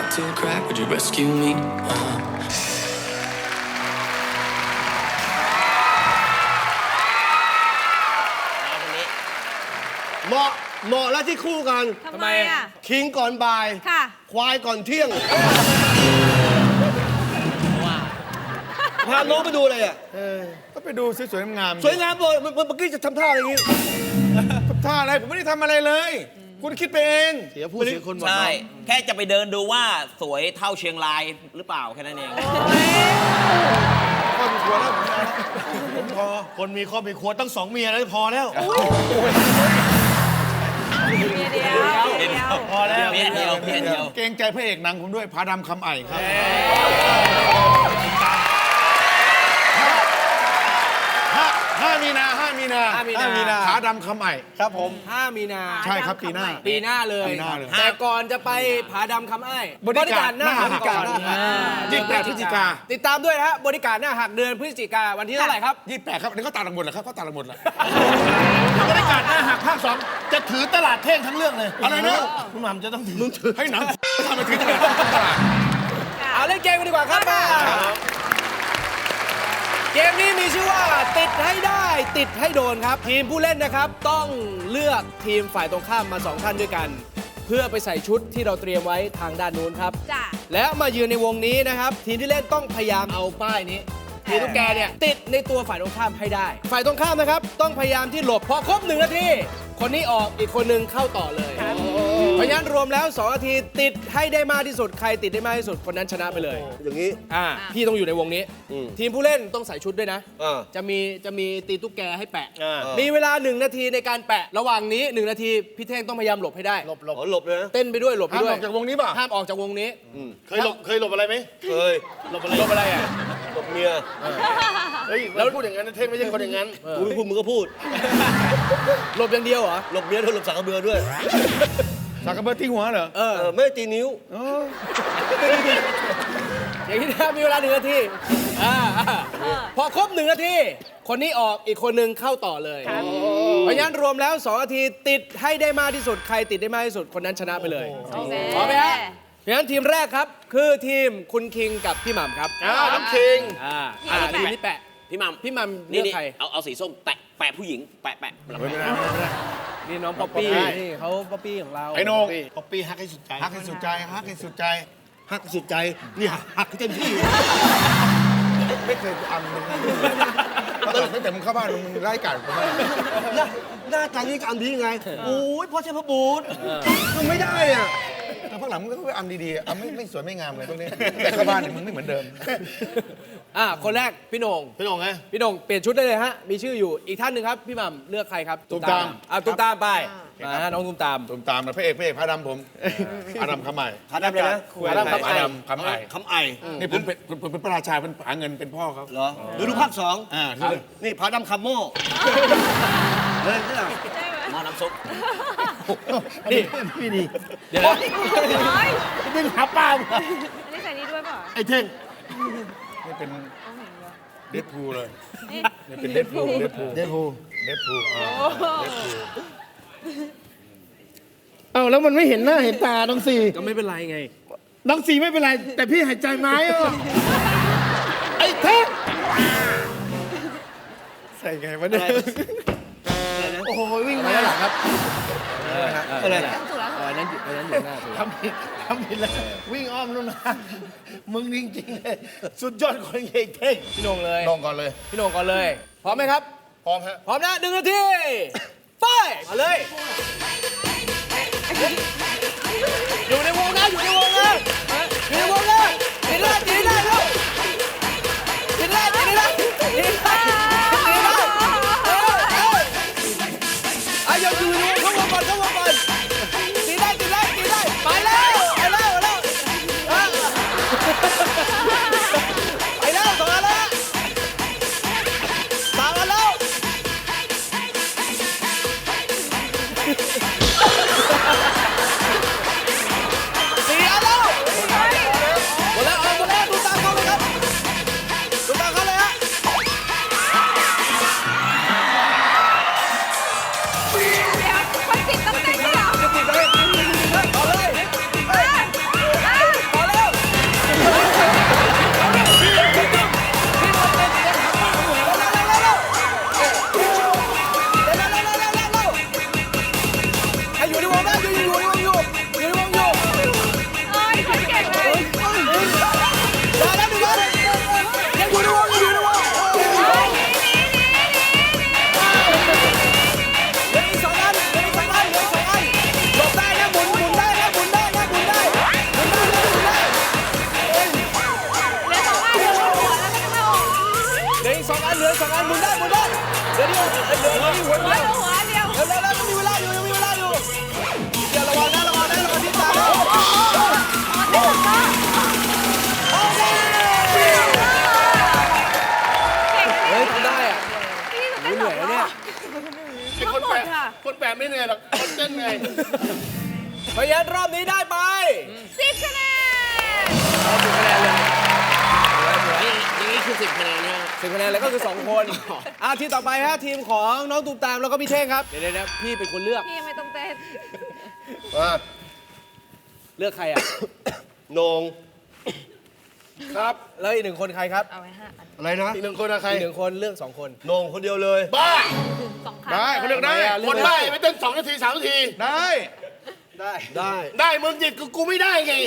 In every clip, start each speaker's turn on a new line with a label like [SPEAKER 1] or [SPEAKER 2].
[SPEAKER 1] to a crack, would you rescue me?
[SPEAKER 2] เหมาะแล้วที่คู่กัน
[SPEAKER 3] ทำไมอ่ะ
[SPEAKER 2] คิงก่อนบ่าย
[SPEAKER 3] ค่ะ
[SPEAKER 2] ควายก่อนเที่ยงพาน้องไปดูอะไรอ่ะ
[SPEAKER 4] ก็ไปดูสวยๆงามๆ
[SPEAKER 2] สวยงามเลยเมื่อกี้จะทำท่าอะไรอย่างงี้
[SPEAKER 4] ท่าอะไรผมไม่ได้ทำอะไรเลย คุณคิดไปเอง
[SPEAKER 2] เสียผู้เสียคนหมด
[SPEAKER 5] ใช่ แค่จะไปเดินดูว่าสวยเท่าเชียงรายหรือเปล่าแค่นั้นเอง
[SPEAKER 4] ก็มีครัวแล้วผมพอ
[SPEAKER 2] คนมีครอบมีครัวตั้ง2 เมียแล้วพอแล้ว
[SPEAKER 3] เดียว
[SPEAKER 2] พอแล้ว
[SPEAKER 5] เพี้ยนเดียวเพี้ยนเดียว
[SPEAKER 4] เกรงใจพระเอกหนังผมด้วยพาดำคำไอ่ครับ5 มีนาผาดำคำไอ่ครับผม
[SPEAKER 6] 5 มีนา
[SPEAKER 4] ใช่ครับปีหน้า
[SPEAKER 6] ปีหน้าเลย
[SPEAKER 4] ปีหน้าเลย
[SPEAKER 6] แต่ก่อนจะไปผาดำคำอ้าย
[SPEAKER 4] บริการหน้าหัก
[SPEAKER 6] ก่อน
[SPEAKER 4] 28 พฤศจิกา
[SPEAKER 6] ติดตามด้วยนะฮะบริการหน้าหักเดือนพฤศจิกาวันที่เท่าไหร่ครับ
[SPEAKER 4] 28 ครับอันนี้เขาตัดหลังหมดแล้วครับเขาตัดหลังหมดแล้ว
[SPEAKER 2] บรรยากาศหน้าหักภาค 2จะถือตลาดเท่งทั้งเรื่องเลย
[SPEAKER 4] อะไรนะ
[SPEAKER 2] คุณหม่ำจะต้องถือ
[SPEAKER 4] ให้หนังทำไปถึงตลาด
[SPEAKER 6] เอาเล่นเกมกันดีกว่าครับมาเกมนี้มีชื่อว่าติดให้ได้ติดให้โดนครับ ทีมผู้เล่นนะครับต้องเลือกทีมฝ่ายตรงข้ามมา2ท่านด้วยกัน เพื่อไปใส่ชุดที่เราเตรียมไว้ทางด้านนู้นครับ
[SPEAKER 3] จ้ะ
[SPEAKER 6] แล้วมายืนในวงนี้นะครับทีมที่เล่นต้องพยายามเอาป้ายนี้ทีมตุ๊กแกเนี่ยติดในตัวฝ่ายตรงข้ามให้ได้ ฝ่ายตรงข้ามนะครับต้องพยายามที่หลบพอครบ1 นาทีคนนี้ออกอีกคนนึงเข้าต่อเลยเพราะฉะนั้นรวมแล้ว2 นาทีติดให้ได้มากที่สุดใครติดได้มากที่สุดคนนั้นชนะไปเลย
[SPEAKER 2] อย่างนี้
[SPEAKER 6] พี่ต้องอยู่ในวงนี้ ทีมผู้เล่นต้องใส่ชุดด้วยนะ
[SPEAKER 2] อ่า
[SPEAKER 6] จะมีตีตุ๊กแกให้แปะ
[SPEAKER 2] อ่า
[SPEAKER 6] มีเวลา1 นาทีในการแปะ ระหว่างนี้1 นาทีพี่เท่งต้องพยายามหลบให้ได้
[SPEAKER 2] หลบเลยนะ
[SPEAKER 6] เต้นไปด้วยหลบไป
[SPEAKER 4] ห้าม
[SPEAKER 6] ด้ว
[SPEAKER 4] อย อกจากวงนี้ป่ะ
[SPEAKER 6] ห้ามออกจากวงนี้
[SPEAKER 2] เคยหลบอะไรไหมเคยหลบอะไร
[SPEAKER 6] หลบอะไรอ่ะ
[SPEAKER 2] หลบเมียเฮ้ยแล้วพูดอย่างนั้นนะเท่งไม่ใช่คนอย่างนั้นกูไม่พูดมึงก็พูด
[SPEAKER 6] หลบอย่างเดียวเหรอ
[SPEAKER 2] หลบเมียด้วยหลบสังกะเบือด้วย
[SPEAKER 4] สักกระเบิดที่หัวเหรอ
[SPEAKER 2] ไม่ได้ตีนิ้ว
[SPEAKER 6] อย่างนี้นะมีเวลา1 นาทีพอครบ1 นาทีคนนี้ออกอีกคนนึงเข้าต่อเลย เพราะฉะนั้นรวมแล้ว2 นาทีติดให้ได้มากที่สุดใครติดได้มากที่สุดคนนั้นชนะไปเลย
[SPEAKER 3] โอเค
[SPEAKER 6] พร้อมไหมฮะเพราะฉะนั้นทีมแรกครับคือทีมคุณคิงกับพี่หม่ำครับ
[SPEAKER 2] น้ำคิง
[SPEAKER 6] ทีมนี้แปะ
[SPEAKER 5] พี่มัม
[SPEAKER 6] พี่หม่ำเลื
[SPEAKER 5] นี่
[SPEAKER 6] อก
[SPEAKER 5] นี่
[SPEAKER 6] ใคร
[SPEAKER 5] เอาสีส้มแปะผู้หญิงแปะ
[SPEAKER 6] นี่น้องป๊อปปี้นี่เขาป๊อปปี้ของเรา
[SPEAKER 4] ไอ้โหนง
[SPEAKER 2] ป๊อปปี้ฮักให้สุดใจ
[SPEAKER 4] ฮักให้สุดใจฮักให้สุดใจ
[SPEAKER 2] ฮักสุดใจนี่ฮักให้เต็มที่
[SPEAKER 4] ไม่เคยอันมึงตั้งแต่มึงเข้าบ้านมึงไล่กัดผมมา
[SPEAKER 2] หน้าตานี้จะอันดีไงโอ้ยพ่อใช่พระบูตรมันไม่ได้อ่ะ
[SPEAKER 4] แต่พักหลังมึงก็ไปอันดีๆอันไม่สวยไม่งามเลยพวกนี้แต่เข้าบ้านเนี่ยมึงไม่เหมือนเดิม
[SPEAKER 6] คนแรกพี่โหนง
[SPEAKER 2] พี่น้องไง
[SPEAKER 6] พี่โหนงเปลี่ยนชุดได้เลยฮะมีชื่ออยู่อีกท่านหนึ่งครับพี่หม่ำเลือกใครครับ
[SPEAKER 4] ตูมตาม
[SPEAKER 6] ตูมตามไปมาฮะน้องตูมตาม
[SPEAKER 4] ตุมตามนะพระเอกพาดำผมพาดำคำใหม่
[SPEAKER 2] พาดำเลยนะ
[SPEAKER 6] พาดำคำไอ
[SPEAKER 4] พาดำคำไอ่
[SPEAKER 2] คำไอ
[SPEAKER 4] นี่ผมเป็นพระราชาเป็นหาเงินเป็นพ่อเขา
[SPEAKER 2] เหรอดูภาค 2
[SPEAKER 4] ที่เลย
[SPEAKER 2] นี่พาดำคำโม่เฮ้ยนี่
[SPEAKER 5] หม้อน้ำซุป
[SPEAKER 6] นี่
[SPEAKER 2] พี่นี่
[SPEAKER 6] เดี๋ยวนะ
[SPEAKER 2] ดึงหาป้า
[SPEAKER 3] อันนี้ใส่นี่ด้วยเปล่า
[SPEAKER 2] ไอ้เท่ง
[SPEAKER 4] นี่เป็นเดดพูลเลย
[SPEAKER 3] นี่
[SPEAKER 4] นี่เป็นเดดพูล
[SPEAKER 2] เดนพู
[SPEAKER 7] เอ้าแล้วมันไม่เห็นหน้าเห็นตาน้องสี่
[SPEAKER 6] ก็ไม่เป็นไรไง
[SPEAKER 7] น้องสี่ไม่เป็นไร แต่พี่หายใจไม้อ่ะไอ้เท่ง
[SPEAKER 4] ใส่ไงวะเนี่ย
[SPEAKER 2] โอ้โหวิ่ง
[SPEAKER 6] มา
[SPEAKER 2] มา
[SPEAKER 6] ด้านหลังครับ
[SPEAKER 2] อะไร
[SPEAKER 3] ถูกแล้ว
[SPEAKER 6] อันนั้นอยู่หน้าถูก
[SPEAKER 2] ทำผิดแล้ววิ่งอ้อมนู่นนะมึงจริงๆเลยสุดยอดคนเก่งเท่ง
[SPEAKER 6] พี่โหนงเลย
[SPEAKER 4] ลงก่อนเลย
[SPEAKER 6] พี่โหนงก่อนเลยพร้อมไหมครับ
[SPEAKER 4] พร้อมฮะ
[SPEAKER 6] พร้อมนะ1 นาทีไปมาเลยอยู่ในวงนะอยู่ในวงนะอยู่ในวงนะตีได้ตีได้ลูกตีได้ตีได้ตีได้ตีได้อย่าอยู่ในวงเข้าวงก่อนเข้าวงก่อนตีได้ตีได้ตีได้ไปแล้วไปแล้วไปแล้วไปแล้วต่อแล้วต่อแล้ว 4 อันานหมุนได้เดี๋ยวหัว
[SPEAKER 3] หัว
[SPEAKER 6] เดียว
[SPEAKER 3] หัวเดียว
[SPEAKER 6] เร็วยังมีเวลาอยู่เดี๋ยวระวังที่ตาเฮ้ยทำได้อ่ะ
[SPEAKER 3] พี่หนู
[SPEAKER 6] เหนื่อยแล้วเนี่ย
[SPEAKER 2] ไอ้คนแปะคนแปะไม่เหนื่อยหรอกคนเต้นเหนื่อย
[SPEAKER 6] เพราะฉะนั้นรอบนี้ได้ไป
[SPEAKER 3] 10 คะแนน
[SPEAKER 5] อย่างนี้คือ10 คะแนนนะ
[SPEAKER 6] 10 คะแนนแล้วก็คือ 2 คนทีมต่อไปฮะทีมของน้องตูมตามแล้วก็พี่เท่งครับ เดี๋ยวพี่เป็นคนเลือก
[SPEAKER 3] พี่ยังไม่ต้องเต้น
[SPEAKER 6] เลือกใครอ่ะ
[SPEAKER 2] โหนงครับ
[SPEAKER 6] แล้วอีก 1 คนใครครับ
[SPEAKER 3] เอาไว้5 อัน
[SPEAKER 2] อะไรนะอีกหนึ่งคนอะใคร
[SPEAKER 6] อีก 1 คนเลือก 2 คน
[SPEAKER 2] โหนงคนเดียวเลยบ้า
[SPEAKER 3] 2 ครั้ง
[SPEAKER 2] ได้เขาเลือกได้
[SPEAKER 6] ทำไมอะเลือก
[SPEAKER 2] คน
[SPEAKER 6] ได้
[SPEAKER 2] ได้ไม่เต้น2 นาที 3 นาทีได้ ได้มึงหยิบกูไม่ได้ไง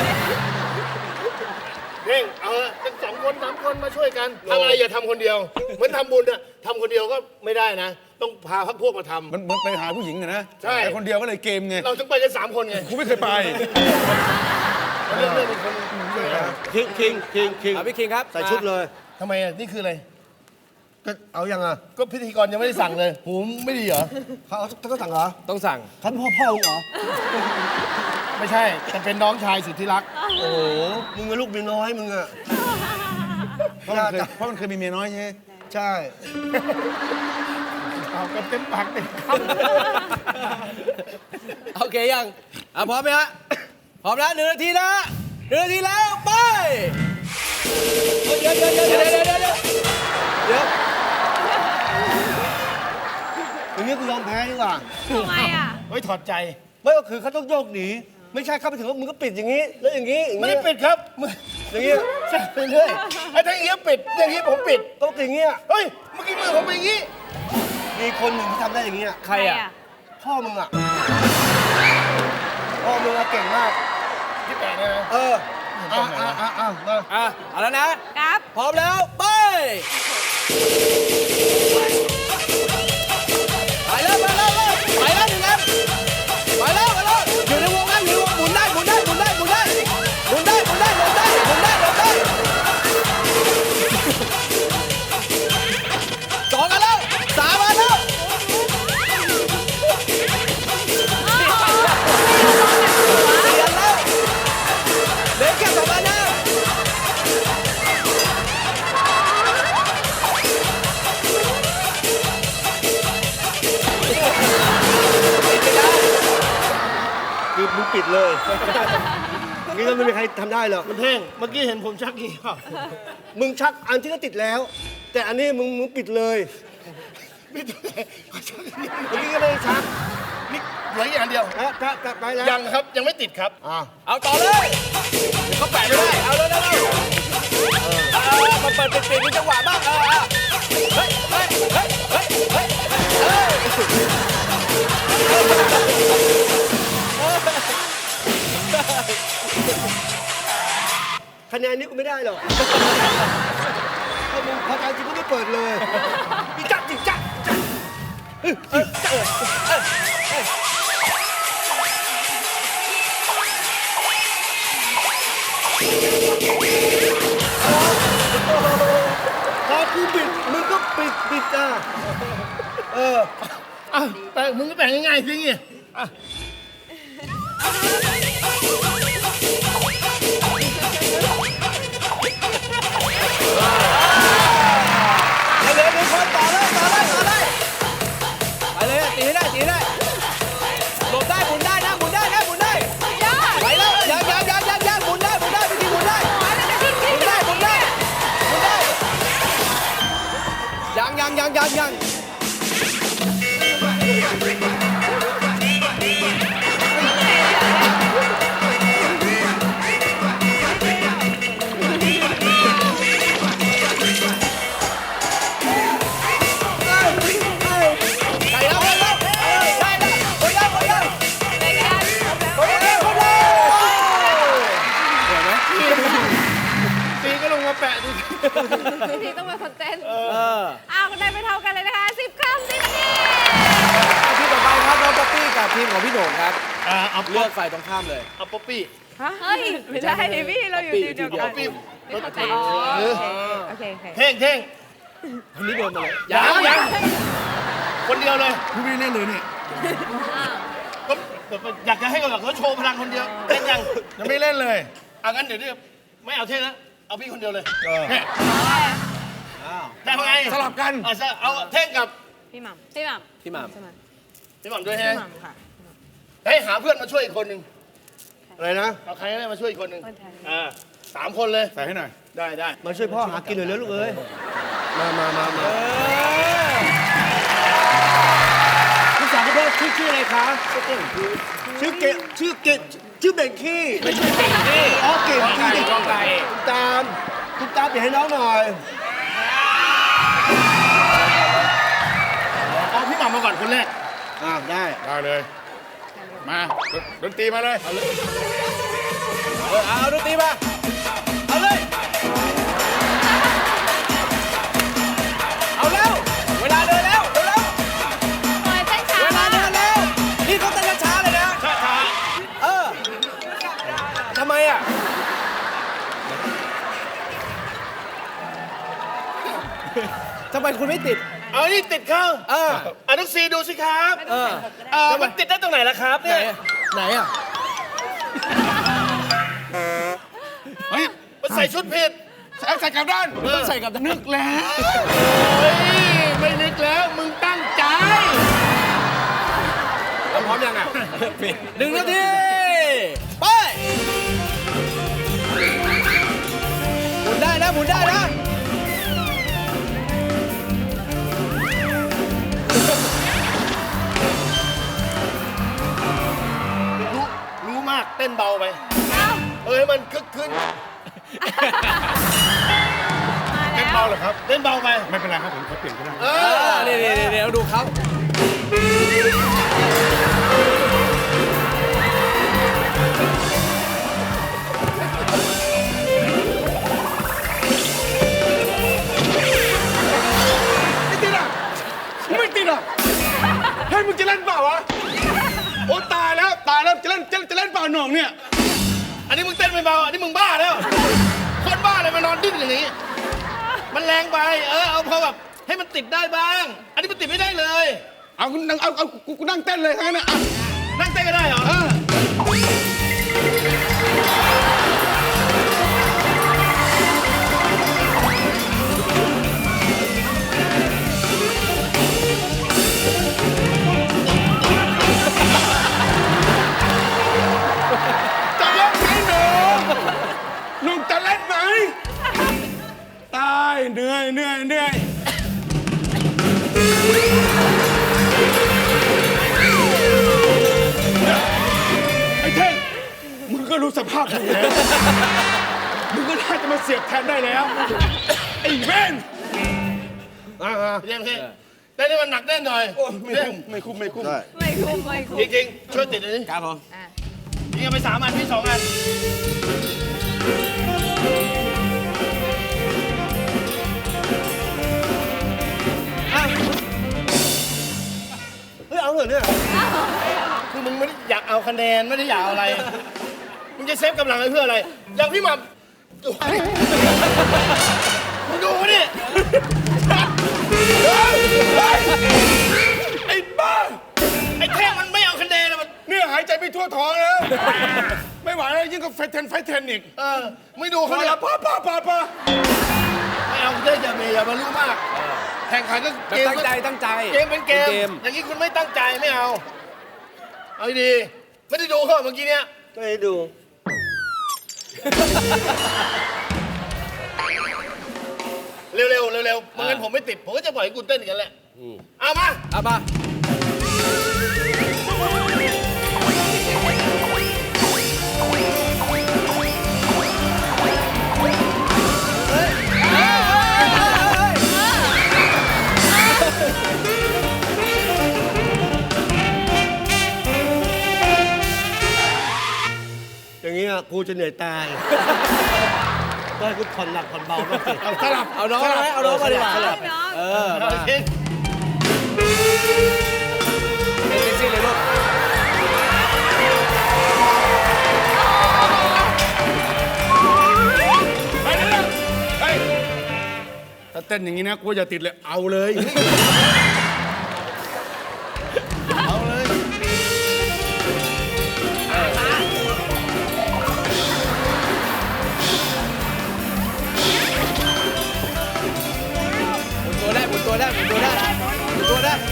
[SPEAKER 2] เพ่งเอาเป็น2 คน 3 คนมาช่วยกันทำอะไรอย่าทำคนเดียวเหมือนทำบุญอะทำคนเดียวก็ไม่ได้นะ ต้องพาพักพวกมาทำ
[SPEAKER 4] มันไปหาผู้หญิงนะ
[SPEAKER 2] ใช่
[SPEAKER 4] แต่คนเดียวก็เลยเกมไง
[SPEAKER 2] เราต้องไปกัน3 คนไง
[SPEAKER 4] กูไม่เคยไป
[SPEAKER 2] เรื่องเป็นคน
[SPEAKER 7] คิง
[SPEAKER 6] พี่คิงครับ
[SPEAKER 7] ใส่ชุดเลย
[SPEAKER 2] ทำไมอะนี่คืออะไร
[SPEAKER 7] ก็เอายังอ่ะ
[SPEAKER 2] ก็พิธีกรยังไม่ได้สั่งเลยหูไม่ดีเหรอ
[SPEAKER 7] เขาต้องสั่งเหรอ
[SPEAKER 6] ต้องสั่ง
[SPEAKER 7] ท่านพ่อมึงเหรอ
[SPEAKER 2] ไม่ใช่แต่เป็นน้องชายสุดที่รัก
[SPEAKER 7] โอ้โหมึงเป็นลูกเมียน้อยมึงอ่ะ
[SPEAKER 4] เพราะมันเคยมีเมียน้อยใช่ไหม
[SPEAKER 7] ใช่
[SPEAKER 2] เอากันเต็มปากเต็มค
[SPEAKER 6] โอเคยังพร้อมไหมฮะพร้อมแล้ว1 นาทีนะ1 นาทีแล้วไปเดี๋ยว
[SPEAKER 7] อย่างนี้กูยอมแพ้ดีกว่า
[SPEAKER 3] ทำไมอ่ะ
[SPEAKER 2] ำเฮ้ยถอดใจ
[SPEAKER 7] ไม่ก็คือเขาต้องโยกหนี ไม่ใช่เข้าไปถึงว่ามึงก็ปิดอย่างนี้ แล้วอย่างนี้
[SPEAKER 2] ไม่ได้ปิดครับมึง
[SPEAKER 7] อย่างนี้
[SPEAKER 2] แช่ไปเรื่อยไอ้ทั้งเอี้ยปิดอย่างนี้ผมปิด
[SPEAKER 7] ต้องอย่างนี้
[SPEAKER 2] เฮ้ยเมื่อกี้มือผมเป็นอย่างนี้
[SPEAKER 7] มีคนหนึ่งที่ทำได้อย่างนี้
[SPEAKER 6] ใครอ่ะ
[SPEAKER 7] พ่อมึงอ่ะพ่อมึงอะเก่งมาก
[SPEAKER 2] ที่แปะเนี่ยนะ
[SPEAKER 7] เออมา
[SPEAKER 6] เอาแล้วนะครับ พร้อมแล้วไปไปแล้ว1 อันไปแล้วอยู่ในวงนั้นหมุนได้2 อันแล้ว3 อันแล้ว4 อันแล้วเหลือแค่2 อันนะ
[SPEAKER 7] คือมึงปิดเลย นี่ก็ไม่มีใครทำได้หรอก
[SPEAKER 2] มันเท่งเมื่อกี้เห็นผมชักกี่เปล่า
[SPEAKER 7] มึงชักอันที่ก็ติดแล้ว แต่อันนี้มึงปิดเลย
[SPEAKER 2] ไม่ต้องชัก
[SPEAKER 7] เมื่อกี้ก็ไม่ได้ชัก
[SPEAKER 2] นี่เหลืออีกอันเดียว
[SPEAKER 7] นะถ้าไปแล้ว
[SPEAKER 2] ยังครับยังไม่ติดครับ
[SPEAKER 6] เอาต่อเลยเดี๋ยวเขาแปะไม่ได้เอาเร็วมาเปิดปิดมีจังหวะบ้างเฮ้ย
[SPEAKER 7] คะแนนนี้กูไม่ได้หรอกถ้ามึงพอใจจริงก็ไม่เปิดเลยอีจักจิจักพอกูปิดมึงก็ปิดอ่ะ
[SPEAKER 2] อ่ะแปะมึงก็แปะง่ายๆสิงี้อ่ะ
[SPEAKER 6] เหลือ1 คนต่อเลยไปเลยตีให้ได้หลบได้หมุนได้นะหมุนได้ไปแล้วยังหมุนได้พี่ทีหมุนได้ยัง
[SPEAKER 2] ตีก็ลงมาแปะดูสิ
[SPEAKER 3] พี่พีต้องเป็นคนเต้นเอาได้ไปเท่ากันเลยนะคะ10 คำ10 นาที
[SPEAKER 6] ทีมต่อไปครับน้องป๊อปปี้กับทีมของพี่โหน่งครับ
[SPEAKER 2] เอา
[SPEAKER 6] เลือกฝ่ายตรงข้ามเลย
[SPEAKER 2] เอาป๊อปปี้
[SPEAKER 3] เฮ้ย ไม่ได้พี่เราอยู่ทีมเดียวกัน
[SPEAKER 2] ป๊อปปี้
[SPEAKER 3] ไม่เข้าใจโอเค
[SPEAKER 2] เท่ง
[SPEAKER 6] คนนี้เดินมาเลย
[SPEAKER 2] ยังคนเดียวเลย
[SPEAKER 4] พี่ไม่ได้เล่นเลยนี่
[SPEAKER 2] ก็อยากจะให้เขาโชว์พลังคนเดียวเล่นยัง
[SPEAKER 4] ยังไม่เล่นเลย
[SPEAKER 2] เอางั้นเดี๋ยวไม่เอาเท่นะเอาพี่คนเดียวเลย
[SPEAKER 4] เออ
[SPEAKER 2] เนี่ยได้ไง
[SPEAKER 4] สลับกัน
[SPEAKER 2] เอาเท่งกับ
[SPEAKER 3] พี่หม่ำพี่หม่
[SPEAKER 6] พี่หม่ำ
[SPEAKER 3] ำใช่ไหม
[SPEAKER 2] พี่หม่ำด้วย
[SPEAKER 3] พี่
[SPEAKER 2] ฮะ
[SPEAKER 3] หม่ำค่ะ
[SPEAKER 2] ให้หาเพื่อนมาช่วยอีกคนหนึ่ง
[SPEAKER 4] อะไรนะ
[SPEAKER 2] เอาใครก็ได้มาช่วยอีกคนหนึ่ง
[SPEAKER 3] คนไทย
[SPEAKER 2] 3 คนเลย
[SPEAKER 4] ใส่ให้หน่อย
[SPEAKER 2] ได้
[SPEAKER 7] มาช่วยพ่อหากินหน่อยแล้วลูกเอ้ย
[SPEAKER 4] มา
[SPEAKER 7] คุณสาวคุณพ่อชื่ออะไรคะชื่อเกดชื่อเบงกี้อ๋อเก่งกี้
[SPEAKER 2] กองไก่
[SPEAKER 7] คุณตามเดี๋ยวให้น้องหน่อย
[SPEAKER 2] เอาพี่หม่ำมาก่อนคนแรก
[SPEAKER 7] ได้
[SPEAKER 4] ได้เลย มาดนตรีมาเลย
[SPEAKER 6] เอาดนตรีมา เอาเลย เอาแล้ว เวลาเดินแล้วเร็ว
[SPEAKER 3] โอ้ยเต้นช้า
[SPEAKER 6] เวลาม
[SPEAKER 3] าก
[SPEAKER 6] เดินแล้ว นี่เขาเต้นช้าๆเลยนะ
[SPEAKER 2] ช้า
[SPEAKER 6] เออทำไมอ่ะ ทำไมคุณไม่ติด
[SPEAKER 2] ๆเอานี่ติดเข้า
[SPEAKER 6] เออ
[SPEAKER 2] น้องซีดูสิครับ
[SPEAKER 6] เออ
[SPEAKER 2] มันติดได้ตรงไหนล่ะครับ
[SPEAKER 6] ไหน
[SPEAKER 2] เนี่ย
[SPEAKER 6] อะไหนอ่ะ
[SPEAKER 4] เฮ้ย
[SPEAKER 2] มันใส่ชุดผิด
[SPEAKER 4] ใส่กลับด้าน
[SPEAKER 6] ต้องใส่กับนึก
[SPEAKER 4] แล้ว
[SPEAKER 2] เฮ้ยไม่นึกแล้วมึงตั้งใจ
[SPEAKER 6] พร้อมยังอ่ะ 1 นาที ไป หมุนได้นะ หมุนได้นะ
[SPEAKER 2] รู้มากเต้นเบาไป
[SPEAKER 3] เอ้า
[SPEAKER 2] ให้มันคึกคืน
[SPEAKER 3] มา
[SPEAKER 4] เล่น
[SPEAKER 3] แล้ว
[SPEAKER 4] เบาเหรอครับ
[SPEAKER 2] เต้นเบาไป
[SPEAKER 4] ไม่เป็นไรครับผมขอเปลี่ยนก็ได้
[SPEAKER 6] เดี๋ยวดูเขา
[SPEAKER 4] ไม่ติดอ่ะให้มึงจะเล่นเปล่าวะ โอ้ตายแล้วจะเล่นเปล่าหน่องเนี่ย
[SPEAKER 2] อันนี้มึงเต้นไม่เบา อันนี้มึงบ้าแล้ว คนบ้าอะไรมานอนดิ้นอย่างนี้ มันแรงไป เอาพอแบบให้มันติดได้บ้าง อันนี้มันติดไม่ได้เลย
[SPEAKER 4] เอากูนั่งเต้นเลยทั้งนั้นนะอ่ะ
[SPEAKER 2] นั่งเต้นก็ได้เหรอ
[SPEAKER 4] จะเล่นไหมหนุ่มจะเล่นไหมตายเหนื่อยไอ้เท่งมึงก็รู้สภาพมึงแล้วมึงก็น่าจะมาเสียบแทนได้แล้วไอ้เว้น
[SPEAKER 2] เยี่ยมพี่เต้นให้มันหนักแน่นหน่อย
[SPEAKER 4] ไม่คุ้ม
[SPEAKER 3] ไม่คุ้มไม่คุ้ม
[SPEAKER 2] จริงๆ ช่วยติดหน่อยดิ
[SPEAKER 5] ครับผม
[SPEAKER 3] อ่ะ
[SPEAKER 2] ยิงกันไป3 อันพี่2 อัน
[SPEAKER 7] เฮ้ย เอาเหรอเนี่ย
[SPEAKER 2] คือมึงไม่ได้อยากเอาคะแนนไม่ได้อยากเอาอะไร มึงจะเซฟกำลังไว้เพื่ออะไร อย่างพี่หม่ำมึงดูดิ
[SPEAKER 4] ไอ้บ้า
[SPEAKER 2] ไอ้แท่งมันไม่เอาคะแนนอะมัน
[SPEAKER 4] เนี่ยหายใจไม่ทั่วท้องแล้วไม่ไหวแล้วยิ่งกับไฟเทนอีก
[SPEAKER 2] ไม่ดู
[SPEAKER 4] พ
[SPEAKER 2] เขา
[SPEAKER 4] อ
[SPEAKER 2] เลย
[SPEAKER 4] แล้วป้า
[SPEAKER 2] ไม่เอาเต้อย่าเมย์อย่ามารู้มาก แข่งขันก็
[SPEAKER 6] แบบ
[SPEAKER 2] เกม
[SPEAKER 6] ตั้งใจตั้งใจ
[SPEAKER 2] เกมเป็นเกม อย่างนี้คุณไม่ตั้งใจไม่เอา เอาดีๆไม่ได้ดูเขาเมื่อกี้เนี้ย
[SPEAKER 7] ก็ให้ดู
[SPEAKER 2] เร็วๆเร็วๆไม่งั้นผมไม่ติด ผมก็จะปล่อยให้คุณเต้นอย่างนั้นแหละ เอามา
[SPEAKER 6] เอามา
[SPEAKER 7] อย่างนี้กูจะเหนื่อยตายก็ให้กูผ่อนหนักผ่อนเบาบ้างสิ
[SPEAKER 4] เอาสลับ
[SPEAKER 6] เอาน้องไหมเอาน้องมาดีกว่า
[SPEAKER 3] เอาให้น้อง
[SPEAKER 6] เออ
[SPEAKER 2] เอา
[SPEAKER 6] มา
[SPEAKER 2] จริง
[SPEAKER 6] เป็นเซ็กซี่เลยลูก
[SPEAKER 4] ไปเร็วไป
[SPEAKER 6] ถ้า
[SPEAKER 4] เต้นอย่างนี้นะกูอย่าติดเลยเอาเลย
[SPEAKER 2] เอาเลย
[SPEAKER 6] หมุนตัวได้หมุนตัวได้หมุนตัวได้หมุนตัวได้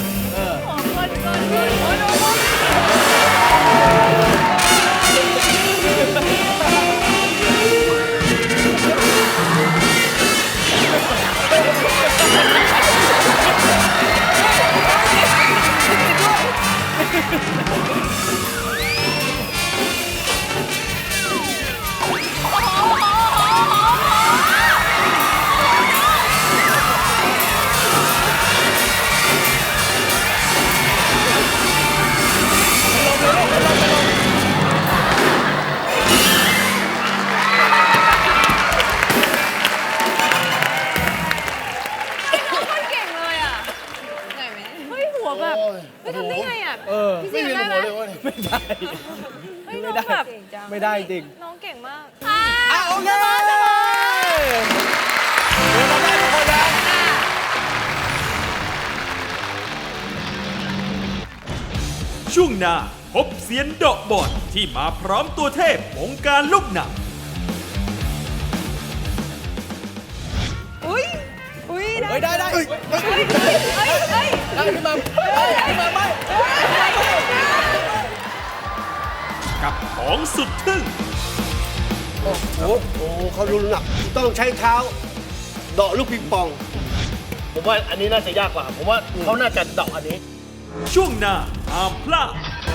[SPEAKER 3] คนเก่งเลยอ่ะไหนไหมเฮ้ยหัวแบบไม่ทำได้ไงอ่ะพี่
[SPEAKER 2] ไม่
[SPEAKER 3] ซี
[SPEAKER 2] มี
[SPEAKER 3] ได้
[SPEAKER 2] หั
[SPEAKER 3] ไหม
[SPEAKER 2] วเลยวะ
[SPEAKER 6] ไม่ได้
[SPEAKER 3] เฮ้ยน้องแบบ
[SPEAKER 6] ไม่ได้จริง
[SPEAKER 3] น้องเก่งมาก
[SPEAKER 6] อ่ะโอเคเดี๋ยวเราได้ทุกคนนะ
[SPEAKER 8] ช่วงหน้าพบเซียนเดาะบอลที่มาพร้อมตัวเทพวงการลูกหนัง
[SPEAKER 3] อุ้ยอุ้ย
[SPEAKER 6] เฮ้ยได้ได้
[SPEAKER 3] เฮ้ยเฮ้ย
[SPEAKER 6] ได้ขึ้นมาขึ้นมาไม่
[SPEAKER 8] กับของสุดทึ่ง
[SPEAKER 7] โอ้โหเขารุนหนักต้องใช้เท้าเดาะลูกปิงปอง
[SPEAKER 2] ผมว่าอันนี้น่าจะยากกว่า ผมว่าเขาน่าจะเดาะอันนี้
[SPEAKER 8] ช่วงหน้าห้ามพลาด